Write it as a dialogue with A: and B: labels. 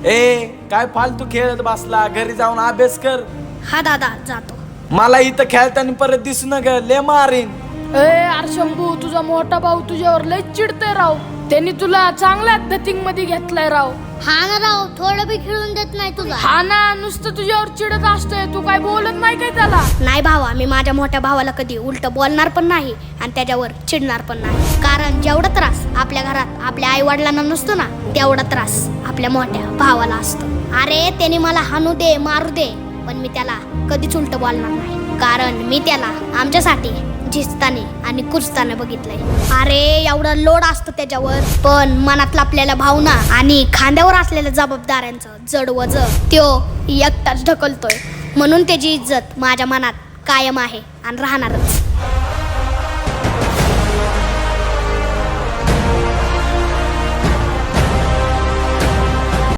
A: ए काय फालतू खेळत बसला, घरी जाऊन अभ्यास कर.
B: हा दादा जातो.
A: मला इथं खेळताना परत दिसू नका, ले मारीन.
C: अरे शंभू, तुझा मोठा भाऊ तुझ्यावर लय चिडतोय राव. त्यांनी तुला चांगल्या धतिंग मध्ये घेतलाय राव.
B: हा ना राव, थोडं बी खेळून देत नाही तुला.
C: हा ना, नुसतं तुझ्यावर चिडत असतोय, तू काय बोलत नाही काय त्याला?
B: नाही भावा, मी माझ्या मोठ्या भावाला कधी उलट बोलणार पण नाही आणि त्याच्यावर चिडणार पण नाही. कारण जेवढा त्रास आपल्या घरात आपल्या आई वडिलांना नसतो ना, तेवढा त्रास आपल्या मोठ्या भावाला असतो. अरे त्याने मला हाणू दे, मारू दे, पण मी त्याला कधीच उलट बोलणार नाही. कारण मी त्याला आमच्यासाठी झिजताने आणि कुचताने बघितलंय. अरे एवढा लोड असतो त्याच्यावर, पण मनातला आपल्याला भावना आणि खांद्यावर असलेल्या जबाबदाऱ्यांचं जड वज त्यो एकटाच ढकलतोय. म्हणून त्याची इज्जत माझ्या मनात कायम आहे आणि राहणारच.